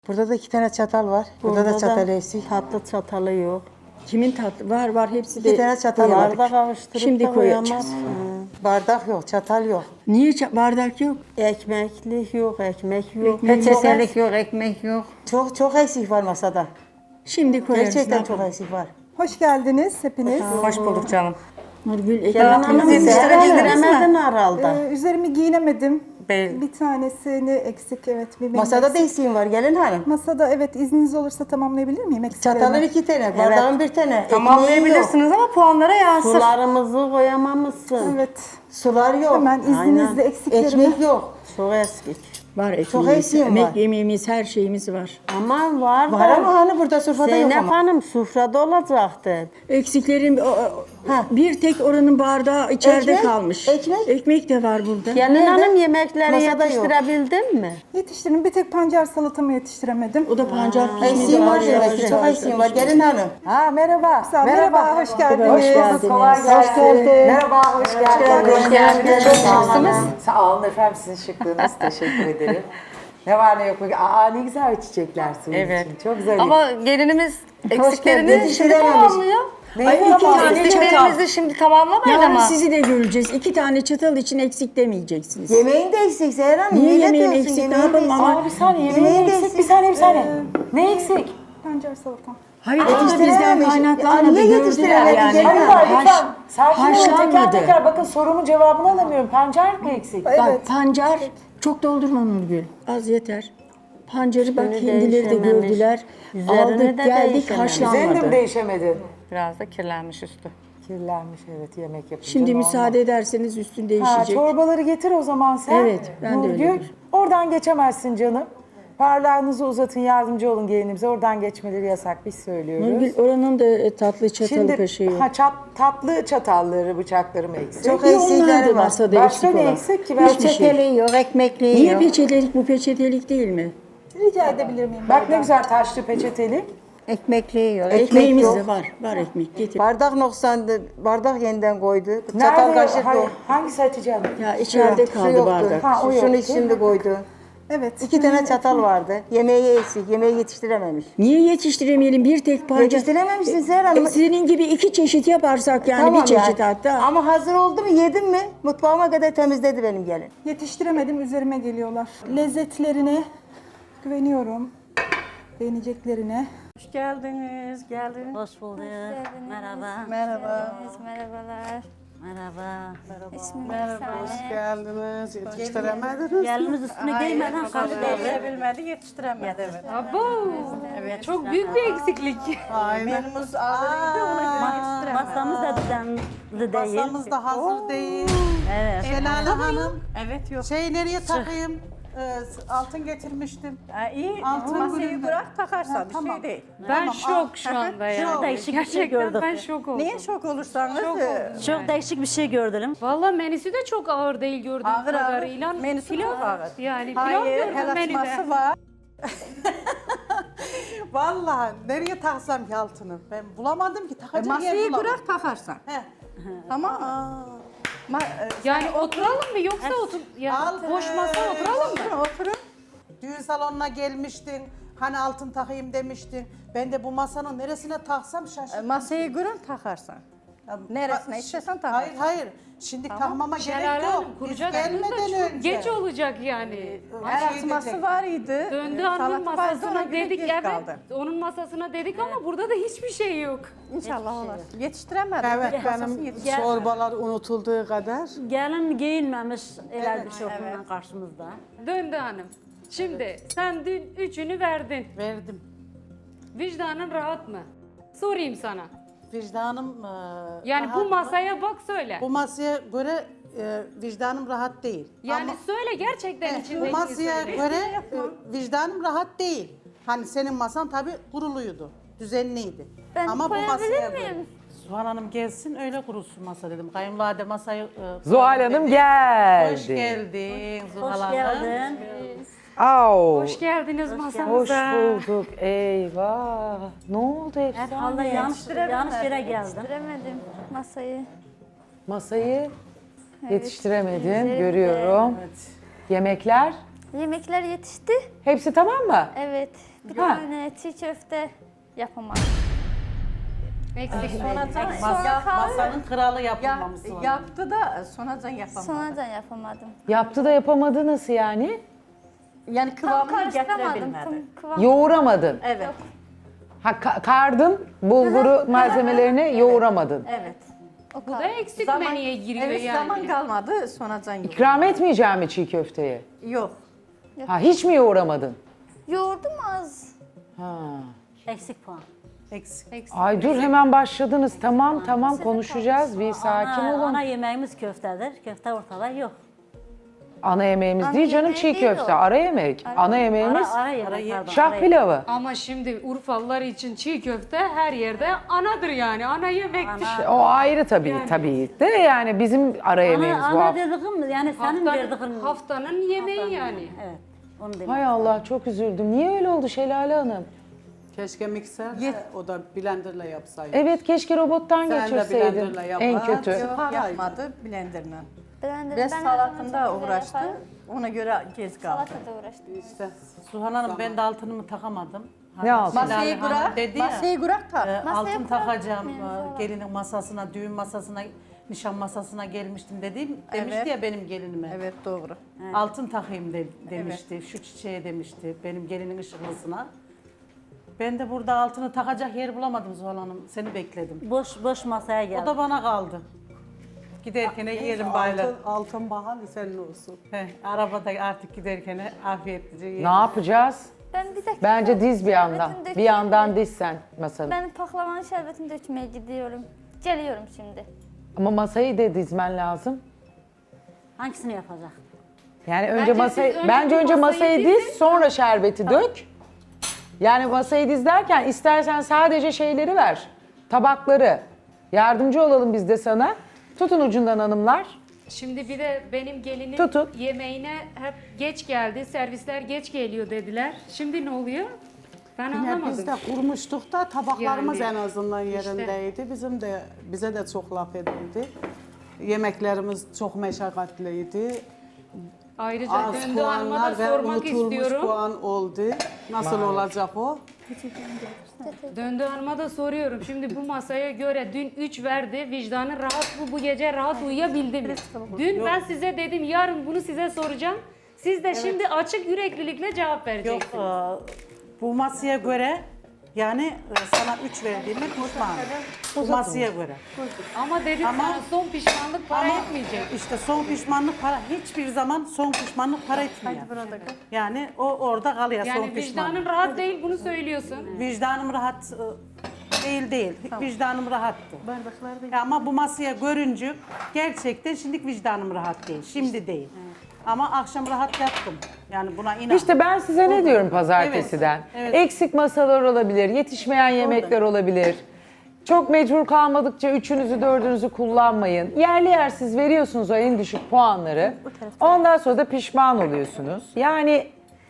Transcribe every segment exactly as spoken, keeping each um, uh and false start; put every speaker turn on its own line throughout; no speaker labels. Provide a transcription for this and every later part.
Burada da iki tane çatal var. Burada,
Burada
da çatal
da
eksik.
tatlı çatalı yok.
Kimin tatlı? Var var hepsi de.
İki tane çatal var.
Bardak kavuşturup
Şimdi
da
koyacağız.
koyamaz.
Bardak yok, çatal yok.
Niye ça- bardak yok?
Ekmeklik yok, ekmek yok.
Peçetelik yok, ekmek yok.
Çok çok eksik var masada.
Şimdi koyarız.
Gerçekten
ne
çok
yapalım?
eksik var.
Hoş geldiniz hepiniz.
Hoş bulduk canım.
Nurgül
Gelin
ekmek
hanım
temizleyin.
yetiştiremedin herhalde.
Ee, üzerimi giyinemedim.
Bey.
Bir tanesini eksik, evet. Bir benim
Masada da
eksik.
eksiğim var gelin hanım.
Masada, evet, izniniz olursa tamamlayabilir miyim eksiklerimi?
Çatalın iki tane, bardağın bir tane. ekmeğin yok.
Tamamlayabilirsiniz ama puanlara yansır.
Sularımızı koyamamışsın.
Evet.
Sular yok.
Hemen izninizle eksiklerimi.
Ekmek yok.
Çok eski.
Var
Çok
ekmeğimiz,
eksiğim
emek
var.
yemeğimiz, her şeyimiz var.
Ama var da.
Var ama hani burada sofrada yok
Zeynep
ama.
Hanım sufrada olacaktı.
Eksiklerim o- o-
Ha.
bir tek oranın bardağı içeride
Ekmek,
kalmış.
ekmek.
Ekmek de var burada.
Gelin
Nerede?
hanım yemekleri
Masada yok.
yetiştirebildin mi?
Yetiştirdim. Bir tek pancar salatamı yetiştiremedim.
O da pancar
Eksiğim var demek ki, çok eksiğim var gelin hanım.
Ha merhaba.
Sağ ol, merhaba, hoş geldiniz.
Hoş geldiniz.
Kolay gelsin.
Hoş geldin.
Merhaba, hoş geldiniz.
Hoş geldiniz.
Çok şıksınız. Sağ olun efendim, sizin şıklığınız. Teşekkür ederim. Ne var ne yok. Aa ne güzel çiçekler senin
Evet.
için. Çok güzel.
Ama gelinimiz eksiklerini
geldin.
şimdi tamamlıyor.
Ay, iki tane çatal.
Eksiklerimizi şimdi tamamlamayın
Yarın
ama.
sizi de göreceğiz. İki tane çatal için eksik demeyeceksiniz.
Yemeğin de eksik Seher Hanım.
Niye
Niye
yemeğim
diyorsun?
eksik? Ne
Yemeğin de
yapalım
eksik.
ama-
Aa bir saniye, yemeğin
Yemeğin de
eksik.
eksik.
Bir saniye, bir saniye. Ne eksik?
Pancar salatam.
Hayır, o da bizden
Yetiştirememiş.
kaynaklanmadı.
Niye
Gördüler
yetiştiremedi?
yani.
Gelin
Hayır,
hanım.
hayır, lütfen. Sakin olun. Teker
haşlanmadı.
teker bakın sorumun cevabını alamıyorum. Pancar mı eksik?
Evet.
Bak pancar, çok doldurma Nurgül. Az yeter. Pancarı bak
Üstünü
kendileri de
değişememiş.
gördüler.
Üzerini
Aldık
de
geldik
değişememiş.
Senin de mi
haşlanmadı.
değişemedin?
Biraz da kirlenmiş üstü.
Kirlenmiş, evet, yemek yapınca.
Şimdi
normal.
müsaade ederseniz üstün
Ha,
değişecek.
çorbaları getir o zaman sen.
Evet, ben de öyle
Nurgül,
bir-
oradan geçemezsin canım. Parlarınızı uzatın, yardımcı olun gelinimize. Oradan geçmeleri yasak, biz söylüyoruz.
Nurgül oranın da e, tatlı çatalı
Şimdi
kaşığı yok.
ha, çat, tatlı çatalları, bıçakları mı eksik?
Çok
Bir onlar
eksikleri
da
var.
masada
Başka
eksik
ne
olan.
eksik ki? Ben
Hiçbir şey.
Peçeteli yok, ekmekliği
Niye
yok.
peçetelik bu peçetelik değil mi?
Rica edebilir miyim?
Bak ne güzel taşlı peçeteli.
Ekmekliği yok.
Ekmeğimiz
yok.
de var. Var ekmek getir.
Bardak noksandı. Bardak yeniden koydu. Çatal
Nerede?
kaşık
Hay-
yok.
hangisi Hatice Hanım?
Ya içeride
Şu
kaldı
yoktu.
bardak.
Ha, o
Şunu
yoktu.
şimdi koydu.
Evet.
İki tane çatal vardı. Yemeği eksik. Yemeği yetiştirememiş.
Niye yetiştiremeyelim bir tek pancar?
Yetiştirememişsin Seher Hanım.
E, senin gibi iki çeşit yaparsak yani
Tamam
bir çeşit
yani.
hatta.
Ama hazır oldu mu yedim mi mutfağıma kadar temizledi benim gelin.
Yetiştiremedim, üzerime geliyorlar. Lezzetlerine güveniyorum. Beğeneceklerine.
Hoş geldiniz, geldiniz.
Hoş bulduk. Merhaba.
Merhaba.
Merhabalar. Merhaba. İsmim
Merhaba,
Efsane.
hoş geldiniz. Yetiştiremediniz.
Geliniz üstüne giymeden kaldı devre.
Yetiştirebilmedi, yetiştiremedi. Evet.
Evet.
Çok büyük bir eksiklik.
Menümüz ağırıydı, ona göre yetiştiremedi.
Masamız da düzenli değil.
Masamız da hazır değil.
Evet.
Şelale Hanım,
Evet, yok.
şey nereye takayım? Ee, altın getirmiştim.
Ha, iyi,
Altın
masayı
bölümde.
bırak takarsan
Ha,
bir
tamam.
şey değil.
Ben şok şu anda ya.
Çok değişik bir şey
Gerçekten
gördüm.
ben şok oldum.
Niye şok olursanız? e,
Çok değişik bir şey gördüm.
Valla menüsü de çok ağır değil gördüğüm
Ağır ağır.
kadarıyla.
Menüsü
pilav,
çok ağır.
Yani pilav
Hayır,
gördüm
el
menüde.
açması var.
Vallahi nereye taksam ki altını? Ben bulamadım ki
E,
takacak yer
masayı
bulamadım.
bırak takarsan.
He.
Tamam mı? Ma- e,
Yani oturalım mı yoksa otur ya
Al,
boş masa
e,
oturalım mı?
Oturun, oturun.
Düğün salonuna gelmiştin. Hani altın takayım demiştin. Ben de bu masanın neresine taksam
E,
şaşırdım.
Masayı görün takarsan. Neresine istersen takarsın.
Hayır hayır. Şimdi takmama gerek
Şelale
yok.
Hanım
Biz
kuracaksınız da
gelmeden
çok
önce.
geç olacak yani.
Her
El
şey
açması
diyecek.
var idi.
Döndü
E,
hanımın
salata vardı, ona
masasına
göre
dedik
geç
evet.
kaldı.
Onun masasına dedik ama burada da hiçbir şey yok.
İnşallah olur. Yetiştiremedim.
Evet
Masası
benim
yetiştiremedi.
çorbalar unutulduğu kadar.
Gelin giyinmemiş el bir şey evet. Karşımızda.
Döndü hanım. Şimdi sen dün üçünü verdin.
Verdim.
Vicdanın rahat mı? Sorayım sana.
Vicdanım e,
Yani
rahat
bu
mı?
masaya bak söyle.
Bu masaya göre e, vicdanım rahat değil.
Yani
Ama
söyle gerçekten
evet,
içindeki
bu masaya
söyle.
göre e, vicdanım rahat değil. Hani senin masan tabii kuruluydu, düzenliydi.
Ben
Ama bu
koyabilir
masaya
miyim?
göre. Zuhal Hanım gelsin öyle kurulsun masa dedim. Kayınvalide masayı... E,
Zuhal Hanım geldi.
Hoş geldin Zuhal
Hoş
Hanım.
geldin.
Au.
Hoş geldiniz
Hoş
masamıza.
bulduk. Eyvah. Ne oldu hepsi?
Herhalde yanlış, yanlış yere geldim.
Yetiştiremedim masayı.
Masayı yetiştiremedin görüyorum. Yemekler
Yemekler yetişti.
Hepsi tamam mı?
Evet. Bir
Ha.
tane çiğ köfte yapamadım.
Eksik sonradan,
Sonra kaldı.
Masanın kralı
ya,
yapılmaması var.
yaptı da sonradan yapamadı.
Sonradan yapamadım.
Yaptı da yapamadı nasıl yani?
Yani
Tam
kıvamını
karıştıramadım.
getirebilmedi.
Tam kıvam.
Yoğuramadın.
Evet,
Ha, ka- kardın bulguru malzemelerini yoğuramadın.
evet.
O
Bu da
kadar.
eksik
Zaman,
menüye giriyor
evet,
yani.
zaman kalmadı, sonradan yok.
İkram etmeyeceğim mi çiğ köfteyi?
Yok.
Ha, hiç mi yoğuramadın?
Yoğurdum az.
Ha.
Eksik puan.
Eksik.
Ay dur hemen başladınız. Tamam tamam konuşacağız. Bir sakin
ana,
olun.
ana yemeğimiz köftedir. Köfte ortada yok.
Ana yemeğimiz
Ana
değil canım
yemeği
çiğ
değil
köfte.
o.
Ara yemek. Ana yemeğimiz
Ara, ara yemek pardon.
şah
ara yemek.
pilavı.
Ama şimdi Urfalılar için çiğ köfte her yerde anadır yani. Ana yemektir.
İşte o ayrı tabii tabii de yani bizim ara yemeğimiz
Ana,
bu
ana
hafta.
dediğim yani senin
Haftanın,
verdiğin.
haftanın yemeği yani.
Evet. Onu demek.
Hay Allah çok üzüldüm. Niye öyle oldu Şelale Hanım?
Keşke mikser o da blenderla yapsaydı.
Evet keşke robottan
Sen de
geçirseydin.
blenderla yap.
En
Ha,
kötü.
yok. Paraydı.
Yapmadı, blenderla.
Ben de
Res
ben her zaman
salatında
çok güzel
uğraştı,
yaparım.
ona göre gez kaldı.
Salatada uğraştım.
İşte Suhan Hanım ben de altınımı takamadım.
Ne altın?
Masayı
Hanım
kurak,
dedi ya,
masayı kurak tak.
e,
Masaya
altın
kurar
takacağım
mıyım
e,
falan?
gelinin masasına, düğün masasına, nişan masasına gelmiştim dedim. Demişti
Evet.
ya benim gelinime.
Evet, doğru.
Altın takayım de, demişti. Şu çiçeğe demişti benim gelinin ışıklısına. Ben de burada altını takacak yer bulamadım Zuhal Hanım. Seni bekledim.
Boş boş masaya
O
geldi.
da bana kaldı. Giderken yiyelim bayla.
Altın, altın bahalı senin olsun.
Heh, arabada artık giderken afiyetlice yiyelim.
Ne yapacağız?
Ben bir dakika.
Bence diz bir yandan.
şerbetini
Bir
dökeyim
yandan
mi?
diz sen masanı.
Ben paklavanın şerbetini dökmeye gidiyorum. Geliyorum şimdi.
Ama masayı da dizmen lazım.
Hangisini yapacak?
Yani önce
Bence
masayı
siz önce
bence
bir
önce
masayı
masayı diz,
dizin.
sonra şerbeti dök. Yani masayı diz derken istersen sadece şeyleri ver. Tabakları. Yardımcı olalım biz de sana. Tutun ucundan hanımlar.
Şimdi bir de benim gelinim
Tutun.
yemeğine hep geç geldi, servisler geç geliyor dediler. Şimdi ne oluyor? Ben
Yine
anlamadım.
biz de kurmuştuk da tabaklarımız
Yani,
en azından
işte.
yerindeydi. Bizim de bize de çok laf edildi. Yemeklerimiz çok meşakkatliydi.
Ayrıca
Az
Döndü Hanım'a
puanlar
da
ve
sormak
unutulmuş
istiyorum.
puan oldu. Nasıl olacak o?
Döndü Hanım'a da soruyorum. Şimdi bu masaya göre dün üç verdi. Vicdanı rahat bu bu gece rahat uyuyabildi mi? Dün ben size dedim yarın bunu size soracağım. Siz de şimdi açık yüreklilikle cevap
Yok,
vereceksiniz.
e, bu masaya göre yani e, sana üç verdiğime pişmanım. Bu masaya göre.
Ama dedim
Ama-
sana son pişmanlık para
Ama
etmeyecek.
işte son pişmanlık para hiçbir zaman son pişmanlık para etmiyor. Yani o orada kalıyor son
Yani
pişmanlık.
vicdanın rahat değil bunu söylüyorsun.
Vicdanım rahat e, değil değil. Vicdanım rahattı. Ya ama bu masaya görünce gerçekten şimdi vicdanım rahat değil. Şimdi değil. Ama akşam rahat yattım. Yani buna inan.
İşte ben size ne diyorum pazartesiden?
Evet, evet.
Eksik masalar olabilir, yetişmeyen yemekler olabilir. Çok mecbur kalmadıkça üçünüzü dördünüzü kullanmayın. Yerli yersiz veriyorsunuz o en düşük puanları. Ondan sonra da pişman oluyorsunuz. Yani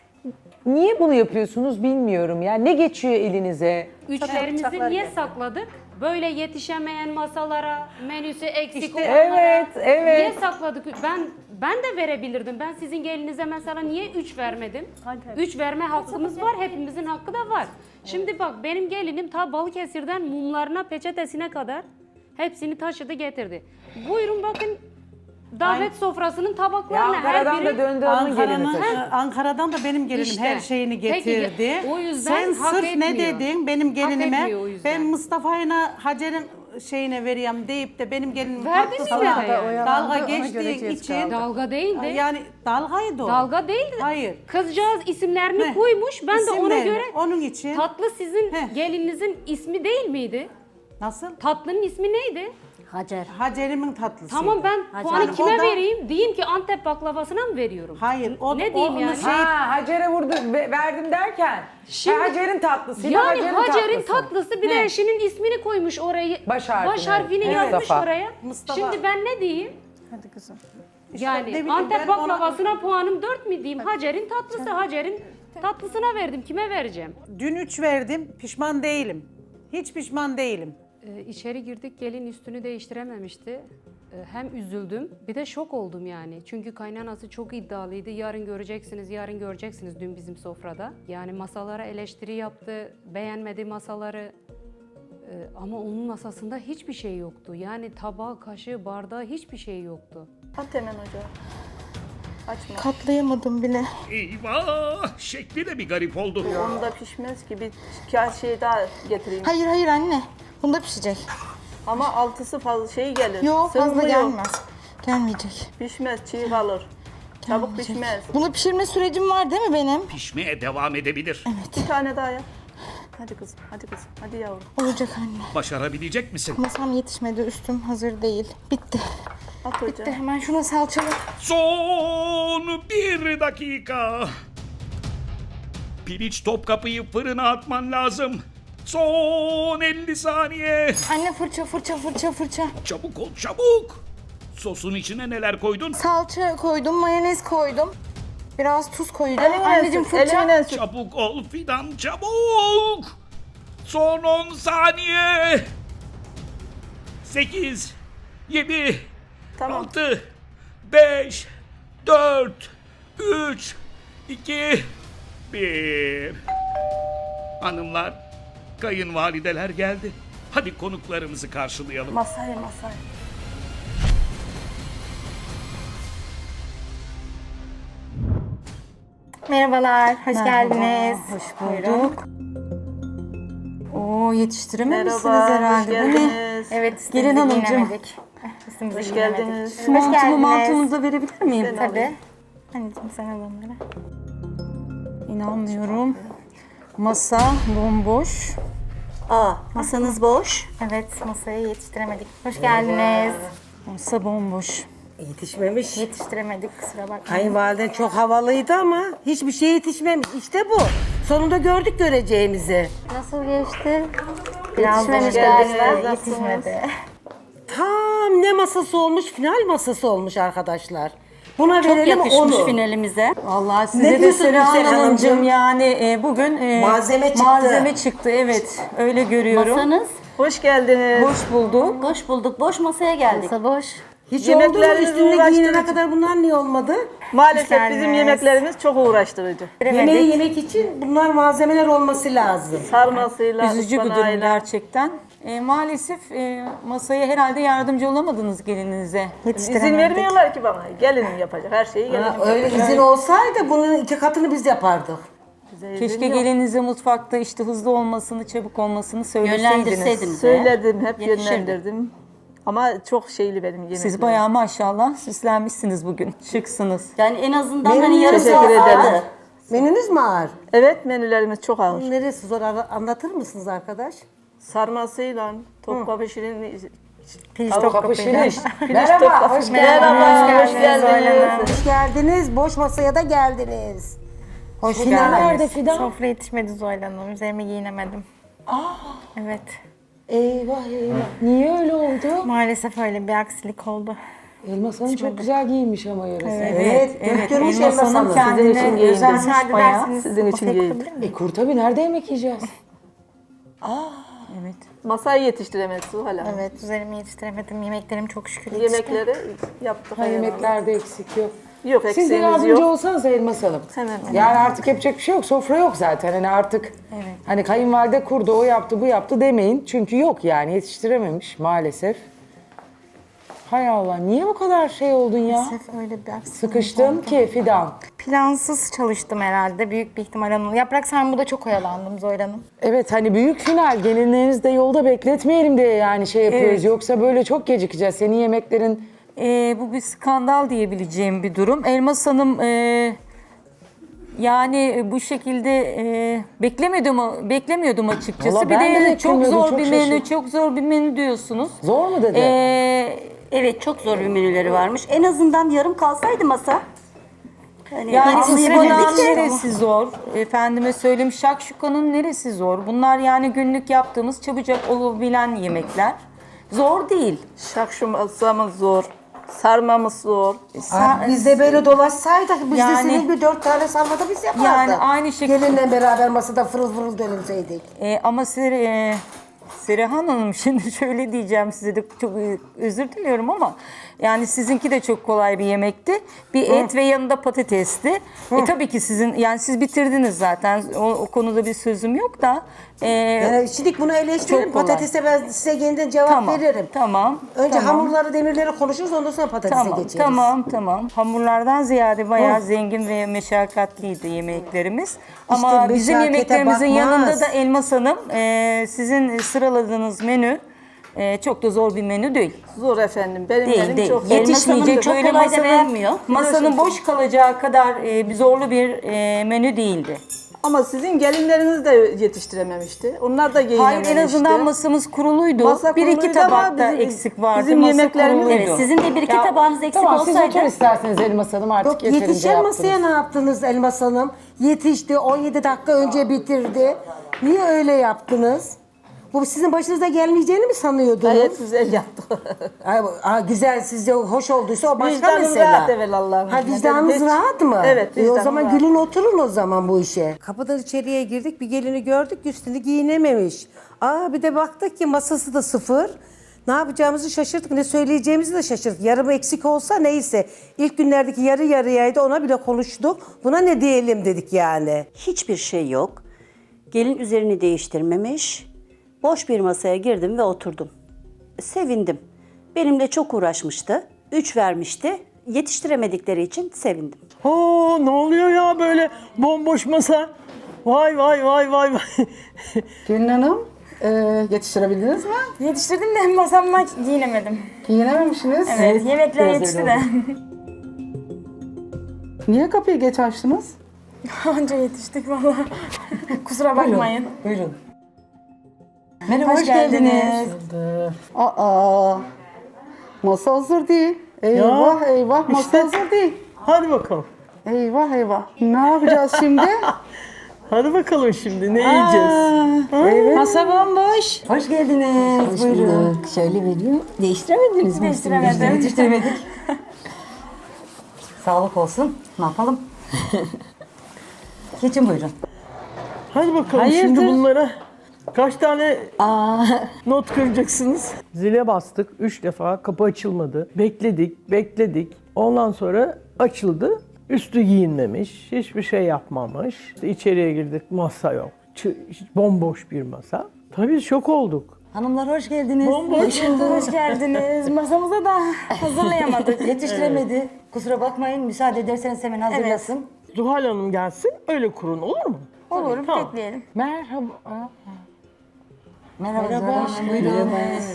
niye bunu yapıyorsunuz bilmiyorum. Yani ne geçiyor elinize?
Üçlerimizi niye sakladık? Böyle yetişemeyen masalara, menüsü eksik olanlara.
Evet, evet.
Niye sakladık? Ben ben de verebilirdim. Ben sizin gelinize mesela niye üç vermedim? Üç verme hakkımız var. Hepimizin hakkı da var. Şimdi bak benim gelinim ta Balıkesir'den mumlarına, peçetesine kadar hepsini taşıdı getirdi. Buyurun bakın davet sofrasının
Ya
tabaklarına her
Ankara'dan
biri...
da döndü hanımın gelini
Ankara'nın,
taşı.
e, Ankara'dan da benim gelinim
İşte.
her şeyini
Peki,
getirdi.
o yüzden
Sen
hak
sırf ne
etmiyor.
dedin benim
Hak
gelinime?
etmiyor o yüzden.
Ben Mustafa'yla Hacer'in şeyine vereyim deyip de benim gelinim
Verdiniz
haklısına
ya yani.
dalga
Ona göre
geçtiğin
cez
için
kaldı.
Dalga değildi.
yani dalgaydı o.
Dalga değildi.
Hayır.
Kızcağız isimlerini
Heh.
koymuş. Ben de ona
İsimlerini,
göre
onun için
tatlı sizin
Heh.
gelininizin ismi değil miydi?
nasıl?
Tatlının ismi neydi?
Hacer.
Hacer'imin tatlısı.
Tamam ben
Hadi.
puanı
Yani
kime
o da-
vereyim? Diyeyim ki Antep baklavasına mı veriyorum?
Hayır. O,
Ne
o-
diyeyim
onu
yani?
Şey,
Ha Hacer'e vurdu, ve- verdim derken.
Şimdi-
ha, Hacer'in tatlısıydı,
Yani
Hacer'in,
Hacer'in
tatlısı.
tatlısı bir de
He.
eşinin ismini koymuş orayı.
Baş harfini,
Baş harfini
evet.
yazmış
Mustafa.
oraya.
Mustafa.
Şimdi ben ne diyeyim?
Hadi kızım.
İşte ne
Yani
bileyim,
Antep
ben ona-
baklavasına puanım dört mü diyeyim? Hacer'in tatlısı. Hacer'in tatlısına verdim. Kime vereceğim?
Dün üç verdim. Pişman değilim. Hiç pişman değilim.
Ee, içeri girdik gelin üstünü değiştirememişti. e, hem üzüldüm bir de şok oldum yani. Çünkü kaynanası çok iddialıydı. Yarın göreceksiniz, yarın göreceksiniz dün bizim sofrada. Yani masalara eleştiri yaptı, beğenmedi masaları. E, ama onun masasında hiçbir şey yoktu. Yani tabağı, kaşığı, bardağı hiçbir şey yoktu.
At hemen ocağı. Açma.
Katlayamadım bile.
Eyvah! Şekli de bir garip oldu.
Onda pişmez ki, bir şey daha getireyim.
Hayır hayır anne. Bunda pişecek.
Ama altısı fazla şey gelir.
Yok fazla
Sığmıyor.
gelmez. Gelmeyecek.
Pişmez, çiğ kalır. Çabuk pişmez.
Bunu pişirme sürecim var değil mi benim?
Pişmeye devam edebilir.
Bir tane daha yap. Hadi kızım, hadi kızım, hadi yavrum.
Olacak anne.
Başarabilecek misin?
Masam yetişmedi, üstüm hazır değil. Bitti.
At ocağı.
Bitti. Hemen şuna salçalı.
Son bir dakika. Piliç Topkapı'yı fırına atman lazım. Son elli saniye.
Anne fırça fırça fırça fırça.
Çabuk ol çabuk. Sosun içine neler koydun?
Salça koydum, mayonez koydum. Biraz tuz koyacağım.
Elimle
Anneciğim
sür,
fırça.
elimle sür.
Çabuk ol Fidan çabuk. Son on saniye. Sekiz, yedi,
Tamam.
altı, beş, dört, üç, iki, bir. Hanımlar, kayınvalideler geldi. Hadi konuklarımızı karşılayalım.
Masaya, masaya.
Merhabalar, hoş geldiniz. Hoş bulduk. Oo, yetiştirememişsiniz
Merhaba, hoş
herhalde. Bu ne?
geldiniz.
Evet,
Gelin
gelin
hanımcığım.
hanımcığım.
Hoş geldiniz.
Hoş geldiniz.
Mantımı mantığınıza verebilir miyim?
Tabii. Anneciğim sen al onları.
İnanmıyorum. Masa bomboş.
Aa, masanız boş.
Evet, masaya yetiştiremedik. Hoş geldiniz.
Masa bomboş.
Yetişmemiş.
Yetiştiremedik, kusura bakmayın.
Kayınvaliden çok havalıydı ama hiçbir şey yetişmemiş. İşte bu. Sonunda gördük göreceğimizi.
Nasıl geçti? Biraz
Yetişmemiş
galiba,
geldiniz,
yetişmedi.
Tam ne masası olmuş? Final masası olmuş arkadaşlar. Buna verelim
Yakışmış
onu.
finalimize. Vallahi
Ne
size de
diyorsun
Seren
Gülseren
Hanımcığım
Hanımcığım?
yani e, bugün e,
Malzeme çıktı.
Malzeme çıktı evet öyle görüyorum.
Masanız
Hoş geldiniz.
Hoş bulduk.
boş bulduk. Boş masaya geldik.
Masa boş.
Hiç oldu mu?
Yemeklerinizi
Üstünde
uğraştırıcı.
giyinene kadar bunlar niye olmadı?
Maalesef
geldiniz.
bizim yemeklerimiz çok uğraştırıcı.
Yemeği yemek için bunlar malzemeler olması lazım.
Sarmasıyla,
Üzücü bir durum
ıspanağıyla.
gerçekten. E, maalesef e, masaya herhalde yardımcı olamadınız gelininize.
İzin vermiyorlar ki bana. Gelinim yapacak. Her şeyi gelinim
Ha,
yapacak.
öyle izin olsaydı bunun iki katını biz yapardık.
Bize izin
Keşke
yok.
gelinize mutfakta işte hızlı olmasını, çabuk olmasını söyleseydiniz.
Yönlendirseydiniz.
Söyledim, hep
Yetişirdi.
yönlendirdim. Ama çok şeyli benim yemeklerim.
Siz bayağı maşallah süslenmişsiniz bugün. Şıksınız.
Yani en azından
Benim
hani yarım
teşekkür
saat
ederim.
vardı.
Menünüz mi ağır?
Evet, menülerimiz çok ağır.
Neresi zor Ara- anlatır mısınız arkadaş?
Sarmasıyla, topkapı şirin,
Piliç
Kapı
topkapıyla.
şiriş. Merhaba, hoş geldiniz.
Merhaba, hoş
Zuhal
geldiniz.
Hanım.
Hoş geldiniz. Boş masaya da geldiniz.
Hoş
Fidan
geldiniz.
nerede Fidan?
Sofra yetişmedi Zuhal Hanım. Üzerime giyinemedim. Aa. Evet.
Eyvah eyvah. Niye öyle oldu?
Maalesef öyle bir aksilik oldu.
Elmas Hanım çok güzel giyinmiş ama yarısı.
Evet, evet. Görmüş
Elmas
Elmas
Hanım
Hanım.
kendine
Sizin için giyindim.
özenmiş
Müsaade
bayağı.
ederseniz
Sizin için
sofrayı
giyindim.
kurabilir miyim?
E kur tabii, nerede yemek yiyeceğiz?
Evet.
Masayı yetiştiremedi Zuhal Hanım.
Evet, üzerimi yetiştiremedim. Yemeklerim çok şükür yetişti.
Yemekleri yaptık.
Ha, yemeklerde eksik yok.
Yok,
Siz de
eksiğimiz
yardımcı
yok.
olsanız Elmas Hanım.
Hemen.
Yani artık yapacak bir şey yok. Sofra yok zaten. Hani artık hani kayınvalide kurdu, o yaptı, bu yaptı demeyin. Çünkü yok yani, yetiştirememiş maalesef. Hay Allah, niye bu kadar şey oldun ya?
Maalesef öyle bir aksilik
Sıkıştın
oldu.
ki Fidan.
Plansız çalıştım herhalde. Büyük bir ihtimal Hanım. Yaprak sarmada çok oyalandım Zuhal Hanım.
Evet, hani büyük final, gelinlerinizi de yolda bekletmeyelim diye yani şey yapıyoruz.
Evet.
Yoksa böyle çok gecikeceğiz. Senin yemeklerin
Ee, bu bir skandal diyebileceğim bir durum. Elmas Hanım e, yani bu şekilde e, beklemiyordum beklemiyordum açıkçası.
Vallahi
bir
ben de
de çok
beklemiyordum,
zor
çok
bir menü,
şaşırdım.
çok zor bir menü diyorsunuz.
zor mu dedi?
Ee,
Evet çok zor bir menüleri varmış. En azından yarım kalsaydı masa. Hani
yani
anlayabilirdik
ıspanağın
de.
neresi zor? Efendime söyleyeyim şakşukanın neresi zor? Bunlar yani günlük yaptığımız çabucak olabilen yemekler. Zor değil.
Şakşuması zor. Sarmamız zor.
Aa, biz de böyle dolaşsaydık biz
Yani-
de senin bir dört tane sarmada biz yapardık.
Yani aynı şekilde-
Gelinle beraber masada fırıl fırıl dönülseydik.
Ee, ama size e, Serihan Hanım şimdi şöyle diyeceğim size de çok özür diliyorum ama yani sizinki de çok kolay bir yemekti. Bir et ve yanında patatesti. E tabii ki sizin yani siz bitirdiniz zaten o, o konuda bir sözüm yok da. E,
Yani şimdi bunu eleştirelim.
Çok kolay.
Patatese ben size yeniden cevap
Tamam,
veririm.
tamam,
Önce
tamam.
hamurları, demirleri konuşuruz, ondan sonra patatese
Tamam,
geçeriz.
tamam, tamam. Hamurlardan ziyade bayağı zengin ve meşakkatliydi yemeklerimiz. Ama bizim
meşakkate
yemeklerimizin
bakmaz.
yanında da Elmas Hanım, e, sizin sıraladığınız menü e, çok da zor bir menü değil.
Zor efendim. Benim
Değil,
benim
değil.
çok
Yetişmeyecek
çok
böyle
kolay da
masanın,
beğenmiyor.
masanın boş kalacağı kadar e, bir zorlu bir e, menü değildi.
Ama sizin gelinleriniz de yetiştirememişti. Onlar da
Hayır,
giyinememişti.
en azından masamız kuruluydu.
Masa
bir iki
kuruluydu ama
tabakta
bizim-
eksik vardı.
bizim
Masa
yemeklerimiz-
kuruluydu.
Evet, sizin de bir iki
Ya,
tabağınız eksik
tamam, siz
olsaydı.
otur isterseniz Elmas Hanım, artık
Yok,
yeterince
yetişen
yaptınız.
masaya ne yaptınız Elmas Hanım? Yetişti, on yedi dakika önce bitirdi. Niye öyle yaptınız? Bu sizin başınıza gelmeyeceğini mi sanıyordunuz?
Gayet güzel yaptı.
Ay, aa, güzel, sizce hoş olduysa o başka
Vicdanım
mesele.
rahat evelallah.
Ha, vicdanınız
Hiç-
rahat mı?
Evet,
E, o
vicdanım
zaman
rahat.
gülün oturun o zaman bu işe.
Kapıdan içeriye girdik, bir gelini gördük, üstünü giyinememiş. Aa, bir de baktık ki masası da sıfır. Ne yapacağımızı şaşırdık, ne söyleyeceğimizi de şaşırdık. Yarım eksik olsa neyse. İlk günlerdeki yarı yarıyaydı, ona bile konuştuk. Buna ne diyelim dedik yani.
Hiçbir şey yok. Gelin üzerini değiştirmemiş. Boş bir masaya girdim ve oturdum. Sevindim. Benimle çok uğraşmıştı. Üç vermişti. Yetiştiremedikleri için sevindim.
Oo, ne oluyor ya böyle bomboş masa? Vay vay vay vay vay.
Gülün Hanım, e, yetiştirebildiniz mi?
Yetiştirdim de masamdan giyinemedim.
Giyinememişsiniz.
Evet, yemekler yetişti de.
Niye kapıyı geç açtınız?
Anca yetiştik valla. Kusura bakmayın.
Buyurun.
Merhaba, hoş geldiniz.
Aa, masa hazır değil. Eyvah eyvah, masa
işte.
hazır değil.
Hadi bakalım.
Eyvah eyvah. Ne yapacağız şimdi?
Hadi bakalım şimdi ne yiyeceğiz?
Evet.
Masa bomboş.
Hoş geldiniz. Buyurun. Şöyle vereyim. Değiştiremediniz mi?
Değiştiremedim.
Değiştiremedik. Sağlık olsun. Ne yapalım? Geçin buyurun.
Hadi bakalım şimdi bunlara kaç tane not kıracaksınız? Zile bastık. Üç defa kapı açılmadı. Bekledik, bekledik. Ondan sonra açıldı. Üstü giyinmemiş, hiçbir şey yapmamış. İşte içeriye girdik, masa yok. Ç- bomboş bir masa. Tabii şok olduk.
Hanımlar hoş geldiniz.
Bomboş.
Hoş geldiniz. Masamıza da hazırlayamadık.
Yetiştiremedi. Kusura bakmayın. Müsaade ederseniz hemen hazırlasın.
Zuhal Hanım gelsin, öyle kurun olur mu?
Olur,
Tamam.
bekleyelim.
Merhaba.
Merhaba. Merhaba. Buyurun.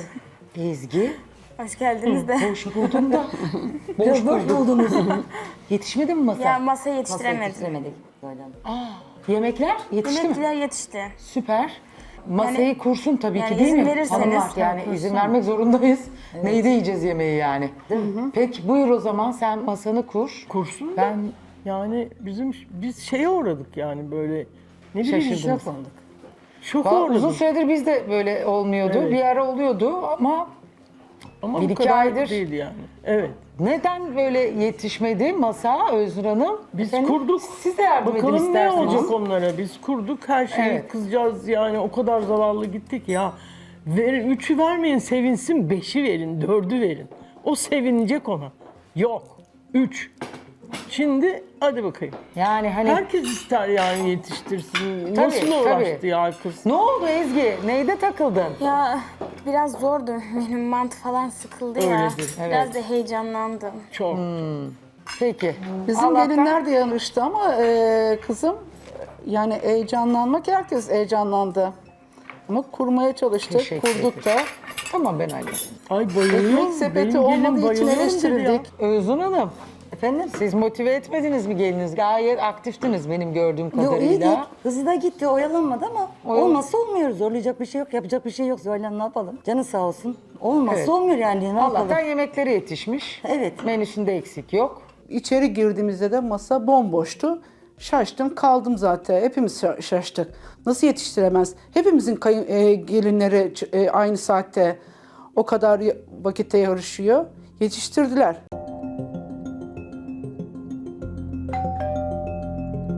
Ezgi.
Hoş geldiniz de.
Boş buldum da.
Boş boş buldunuz.
Yetişmedi mi masa?
Ya masayı yetiştiremedim.
Yetiştiremedik. Böyle.
Yemekler yetişti mi?
Yemekler yetişti.
Süper. Masayı kursun tabii
yani
ki değil
izin
mi?
verirseniz.
Hanımlar, yani izin vermek zorundayız. Neyde yiyeceğiz yemeği yani? Peki buyur o zaman sen masanı kur.
Kursun da.
Ben
Yani bizim biz şeye uğradık yani böyle ne bileyim
şaşırdım.
şok, şok
Vallahi
uğradık.
uzun süredir biz de böyle olmuyordu.
Evet.
Bir ara oluyordu ama
Ama
bir
bu
iki
kadar
aydır-
değil yani. Evet.
neden böyle yetişmedi masa Özgür Hanım?
Biz
Efendim,
kurduk.
Siz de yardım edin
Bakalım ne
isterseniz.
olacak onlara. Biz kurduk her şeyi
Evet.
kızcağız yani o kadar zavallı gittik ya. Verin, üçü vermeyin sevinsin, beşi verin, dördü verin. O sevinecek ona. Yok. Üç. Şimdi hadi bakayım.
Yani hani
Herkes ister yani yetiştirsin.
Tabii,
Nasıl
tabii.
uğraştı ya kız?
ne oldu Ezgi? Neyde takıldın?
Ya biraz zordu. Benim mantı falan sıkıldı ya.
Öyledir,
Biraz da heyecanlandım.
Çok.
Peki.
Bizim
Allah'tan-
gelinler de yanıştı ama e, kızım yani heyecanlanmak herkes heyecanlandı. Ama kurmaya çalıştık,
Teşekkür
kurduk da.
Tamam ben hallederim.
Ay bayılıyorum.
Ekmek sepeti
Benim gelin
olmadığı için
bayılıyorum dedi ya.
eleştirildik.
Özgür Hanım. Efendim siz motive etmediniz mi geliniz? Gayet aktiftiniz benim gördüğüm
Yok
kadarıyla.
iyiydi. Hızlı da gitti, oyalanmadı ama
Oyalan-
olmazsa olmuyor. Zorlayacak bir şey yok, yapacak bir şey yok. Zuhal ne yapalım? Canı sağ olsun. Olmazsa
Evet.
olmuyor yani, ne
Allah'tan
yapalım?
yemekleri yetişmiş.
Evet.
Menüsünde eksik yok.
İçeri girdiğimizde de masa bomboştu. Şaştım kaldım zaten. Hepimiz şa- şaştık. Nasıl yetiştiremez? Hepimizin kayın, e, gelinleri ç- e, aynı saatte o kadar ya- vakitte yarışıyor. Yetiştirdiler.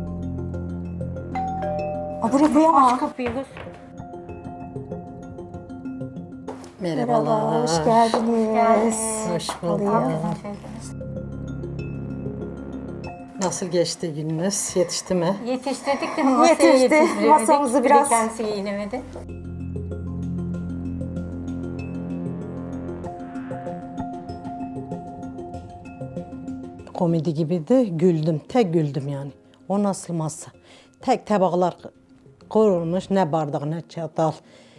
Aa, buraya koyamam. Aç kapıyı
Merhaba, hoş geldiniz.
Hoş bulduk. Nasıl geçti gününüz? Yetişti mi?
Yetiştirdik de masaya
Yetişti.
yetiştiremedik.
Masamızı
Bir de
biraz-
kendisi giyinemedi.
Komedi gibi de güldüm. Tek güldüm yani. O nasıl masa? Tek tabaklar kurulmuş. Ne bardak, ne çatal,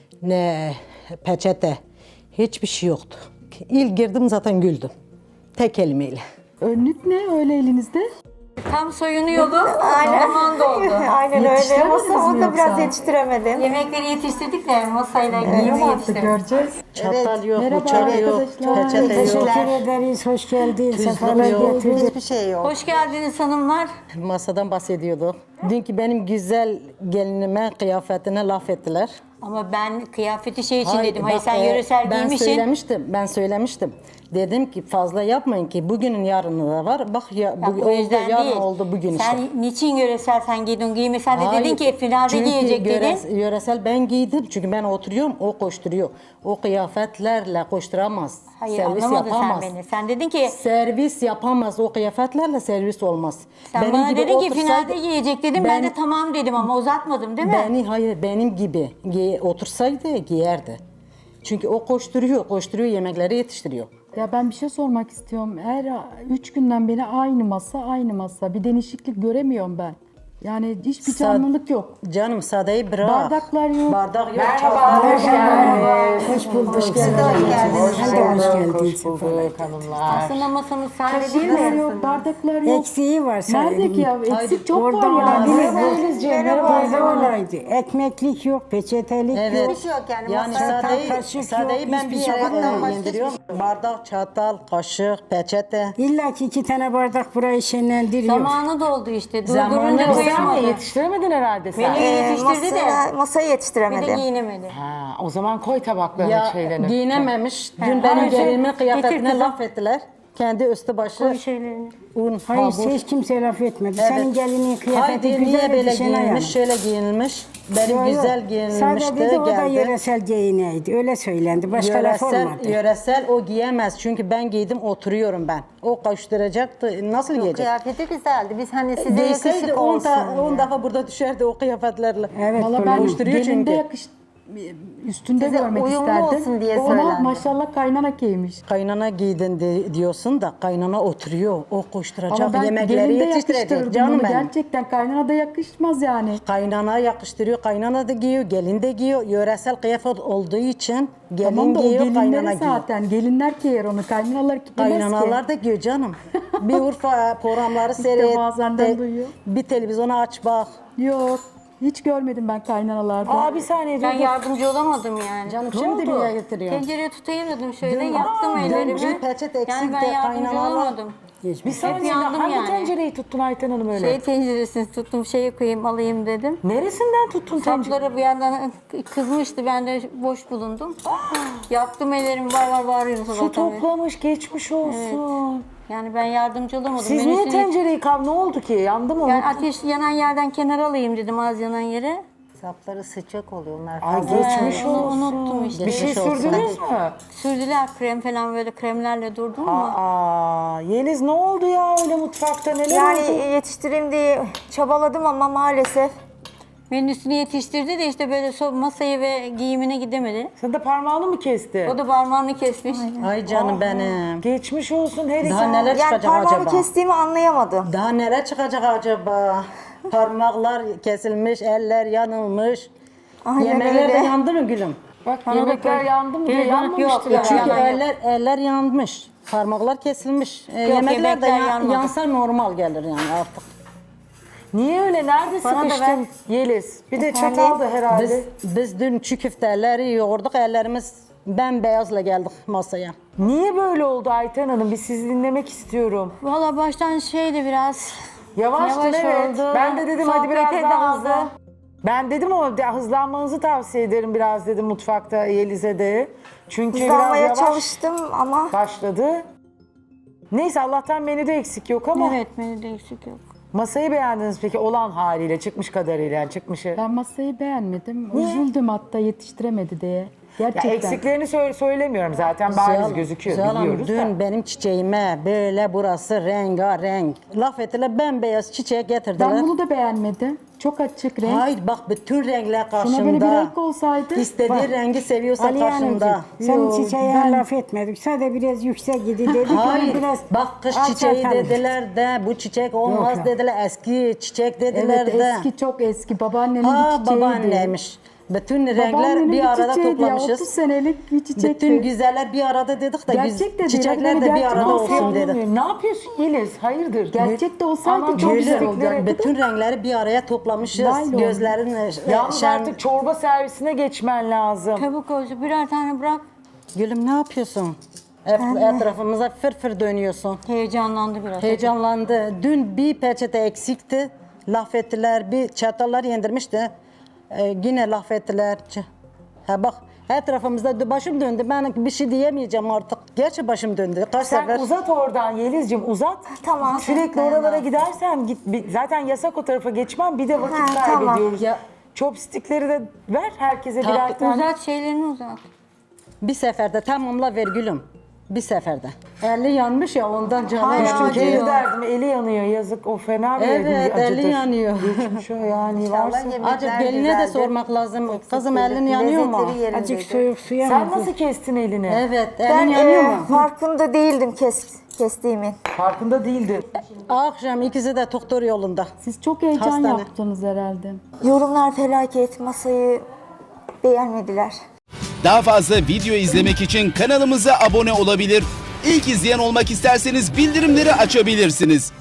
ne peçete. Hiçbir şey yoktu. İlk girdim zaten güldüm. Tek kelimeyle.
Önlük ne öyle elinizde?
Tam soyunuyordu. Aynen. Zaman doldu.
Aynen öyle.
Yetiştiremediniz mi
Masamı da biraz
yoksa?
yetiştiremedim.
Yemekleri yetiştirdik de masayla giyimi yetiştirdik.
Göreceğiz.
Çatal yok,
Merhaba
bıçak yok,
arkadaşlar.
peçete yok.
Teşekkür ederiz, hoş geldin.
Tuzluk
Sefalar
yok.
getirdin.
Hiçbir şey yok.
Hoş geldiniz hanımlar.
Masadan bahsediyorduk. Dünkü benim güzel gelinime, kıyafetine laf ettiler.
Ama ben kıyafeti şey için dedim. Hayır
bak,
sen
e,
yöresel
ben
giymişsin.
söylemiştim, ben söylemiştim. Dedim ki fazla yapmayın ki bugünün yarını da var. Bak ya,
Ya
bu,
o
oldu,
yüzden
yarın
değil.
oldu bugün
Sen
işte.
niçin yöresel sen giydin giyme? Sen de
Hayır,
dedin ki finalde
çünkü
giyecek
yöres-
dedin.
Yöresel ben giydim çünkü ben oturuyorum, o koşturuyor. O kıyafetlerle koşturamaz.
Hayır
servis
anlamadın
yapamaz.
sen beni. Sen dedin ki
Servis yapamaz, o kıyafetlerle servis olmaz.
sen
Benim
bana
gibi
dedin ki
otursaydı-
finalde giyecek dedim. Ben, de tamam dedim ama uzatmadım değil mi?
Beni hayır benim gibi giy- otursaydı giyerdi. Çünkü o koşturuyor, koşturuyor yemekleri yetiştiriyor.
Ya ben bir şey sormak istiyorum. Her üç günden beri aynı masa, aynı masa. Bir değişiklik göremiyorum ben. Yani hiçbir
Sad-
canlılık yok.
Canım sadeyi bırak.
Bardaklar yok.
Bardak yok.
Merhaba, hoş geldiniz.
Hoş bulduk. Hoş
Hoş bulduk,
Hoş geldin.
hoş bulduk hanımlar.
Aslında masamız sade değil
Kaşıklar
mi?
yok, bardaklar yok.
Eksiği var
Nerede ki ya? Eksik çok
Orada
var ya.
olabilir.
Denizciğim,
Orada olaydı. Ekmeklik yok, peçetelik
Evet.
yok.
şey yok yani.
Yani
Masada
sadeyi,
kaşık
sadeyi
yok,
ben
hiçbir
bir
şey
yere
yok.
e, indiriyorum. Bardak, çatal, kaşık, peçete.
İlla ki iki tane bardak burayı şenlendiriyor.
Zamanı doldu işte.
Zamanı
Durdurunca
doldu.
koyamadı.
Yetiştiremedin herhalde sen.
Beni yetiştirdi de
masaya, masayı
bir de
yetiştiremedim.
giyinemedi.
Ha, o zaman koy tabaklarını
Ya
şeylerini.
giyinememiş. Dün
He,
benim
hayır,
gelinimin
getir
kıyafetine
kızım.
laf ettiler. Kendi üstü başı
Koy şeylerini.
un,
Hayır,
hamur.
hiç kimse laf etmedi.
Evet.
Senin gelinin kıyafeti
Haydi
güzel
niye böyle
idi, Şenay Hanım.
giyinmiş, şöyle giyinilmiş. Benim
Yok,
güzel
yok.
giyinilmişti,
Sadece dedi o da
geldi.
yöresel giyineydi. Öyle söylendi. Başka laf
Yöresel,
olmadı.
yöresel o giyemez çünkü ben giydim oturuyorum ben. O koşturacaktı, nasıl giyecek?
Kıyafeti güzeldi. Biz hani size
Giyseydi
yakışık
on
olsun diye.
defa burada düşerdi o kıyafetlerle.
Evet,
Valla
böyle.
ben
Koşturuyor
gelinde
çünkü.
yakış üstünde
Size
görmek
uyumlu
isterdim.
olsun diye
Ama
söylendi.
maşallah kaynana giymiş.
Kaynana giydin de, diyorsun da kaynana oturuyor. O koşturacak
Ama ben
yemekleri
gelinde
yetiştirecek
yakıştırırdım
canım
onu.
benim.
Gerçekten kaynana da yakışmaz yani.
Kaynana yakıştırıyor, kaynana da giyiyor, gelin de giyiyor. Yöresel kıyafet olduğu için gelin
Tamam da o
giyiyor, kaynana
gelinleri
giyiyor.
zaten. Gelinler giyer onu. Kaynanalar giyemez ki.
Kaynanalar da giyiyor canım. Bir Urfa programları seyret.
bazenden
de-
duyuyor.
Bir televizyonu aç bak.
Yok. Hiç görmedim ben kaynanalarda.
Aa bir saniye
Ben
dur. dur.
yardımcı olamadım yani.
Canım
Ne
şimdi
oldu?
niye getiriyor?
Tencereyi tutayım dedim şöyle
Dün-
yaktım
Aa,
ellerimi.
dün peçete eksik
Yani ben
de
yardımcı
kaynanalar-
olamadım.
Bir saniye
yandım
hangi
yani.
tencereyi tuttun Ayten Hanım öyle?
Şey tenceresini tuttum şeye koyayım alayım dedim.
Neresinden tuttun tencereyi?
Sapları bir yandan kızmıştı ben de boş bulundum. Yaktım ellerimi var var bağırıyorum
Su
sabahtan beri.
toplamış geçmiş olsun.
Yani ben yardımcı olamadım.
Siz
Ben
niye
üstüne-
tencereyi kav? Ne oldu ki? Yandı mı?
Yani ateş yanan yerden kenara alayım dedim az yanan yere.
Sapları sıcak oluyor onlar.
Ay
fazla.
geçmiş
onu
olsun.
unuttum işte.
Bir şey
Geçmiş olsun.
sürdünüz mü?
Sürdüler krem falan böyle kremlerle durdum mu?
Aa, Yeliz ne oldu ya öyle mutfakta neler
Yani
oldu?
yetiştireyim diye çabaladım ama maalesef
Menüsünü yetiştirdi de işte böyle so- masaya ve giyimine gidemedi.
Sen de parmağını mı kesti?
O da parmağını kesmiş.
Ay canım benim.
Geçmiş olsun her iki.
Daha neler
yani
çıkacak
parmağımı
acaba?
kestiğimi anlayamadım.
Daha neler çıkacak acaba? Parmaklar kesilmiş, eller yanılmış.
Aynen
Yemekler de
öyle.
yandı mı gülüm?
Bak yemekler yandı mı diye
Yok,
yanmamıştır.
yok,
herhalde.
Çünkü
yanan yok.
eller eller yanmış. Parmaklar kesilmiş. E,
Yok,
yemekler de
yemekler
yan-
yanmadı.
yansa normal gelir yani artık.
Niye öyle? Nerede
Bana da
sıkıştın Yeliz? Bir de çatal da herhalde.
Biz, biz dün çiğ köfteleri yoğurduk, ellerimiz bembeyazla geldik masaya.
Niye böyle oldu Ayten Hanım? Bir sizi dinlemek istiyorum.
Valla baştan şeydi biraz.
Yavaştın
Yavaş
evet.
oldu.
Ben de dedim hadi biraz
Sohbete
daha hızlı.
daldı.
Ben dedim o de- hızlanmanızı tavsiye ederim biraz dedim mutfakta Yeliz'e de. Çünkü biraz
Hızlanmaya
yavaş
çalıştım ama
başladı. Neyse Allah'tan menüde eksik yok ama
Evet menüde eksik yok.
masayı beğendiniz peki olan haliyle çıkmış kadarıyla yani çıkmışı.
Ben masayı beğenmedim. Üzüldüm hatta yetiştiremedi diye.
Ya
Gerçekten.
eksiklerini sö- söylemiyorum zaten bariz gözüküyor
Zuhal Hanım,
biliyoruz
dün
da.
benim çiçeğime böyle burası rengarenk. Laf ettiler bembeyaz çiçeği getirdiler.
Ben bunu da beğenmedim. Çok açık renk.
Hayır bak bütün renkler karşımda.
Şuna böyle bir renk olsaydı.
İstediği
Bak.
rengi seviyorsa
Ali
karşımda.
Hanımcığım, sen çiçeğe laf etmedik. Sadece biraz yüksek gidi dedik.
Hayır,
biraz
bak kış çiçeği dediler de bu çiçek olmaz
Yok.
dediler, eski çiçek dediler
Evet
de.
eski çok eski. Babaannemin
Ha
bir çiçeğiydi.
babaanneymiş. Bütün renkler
Babaannemin
bir arada
çiçeğiydi ya,
toplamışız.
otuz senelik bir çiçekti.
Bütün güzeller bir arada dedik de
Gerçek
güz-
de değil,
çiçekler
hani
de bir
gerçek
arada
olsa
olsun dedik.
Anlamıyorum. Ne yapıyorsun Yeliz? Hayırdır?
Gerçek de olsaydı
Aman
çok güzel
gülüm.
olacaktı.
Bütün renkleri bir araya toplamışız.
Naylon.
Gözlerin e,
Yalnız
şen-
artık çorba servisine geçmen lazım.
Çabuk olsun birer tane bırak.
Gülüm ne yapıyorsun? Et, etrafımıza fır fır dönüyorsun.
Heyecanlandı biraz.
Heyecanlandı. Dün bir peçete eksikti. Laf ettiler. Bir çatallar yendirmişti. Ee, yine laf ettiler. Ç- Ha bak etrafımızda dö- başım döndü. Ben bir şey diyemeyeceğim artık. Gerçi başım döndü. Kaç
Sen
sefer.
uzat oradan Yeliz'cim uzat.
Tamam.
Sürekli
Ben
oralara
de.
gidersen git. bir- Zaten yasak o tarafa geçmem. Bir de vakit
Ha, tamam.
kaybediyoruz.
Ya-
Chopstickleri de ver herkese
Ta-
birer tane.
Uzat şeylerini uzat.
Bir seferde tamamla ver gülüm. Bir seferde. Eli yanmış ya ondan canı
Hala
düştü.
acıyor.
Çünkü derdim eli yanıyor yazık o fena bir
Evet,
acıdır.
eli yanıyor.
Geçmiş o yani varsa.
Acık geline de sormak lazım. Kızım elin yanıyor mu?
Azıcık soğuk suya
Sen
mı?
nasıl kestin elini?
Evet, elin yanıyor mu?
farkında değildim kes, kestiğimin.
Farkında değildi.
Akşam ikisi de doktor yolunda.
Siz çok heyecan
Hastane.
yaptınız herhalde.
Yorumlar felaket, masayı beğenmediler.
Daha fazla video izlemek için kanalımıza abone olabilir. İlk izleyen olmak isterseniz bildirimleri açabilirsiniz.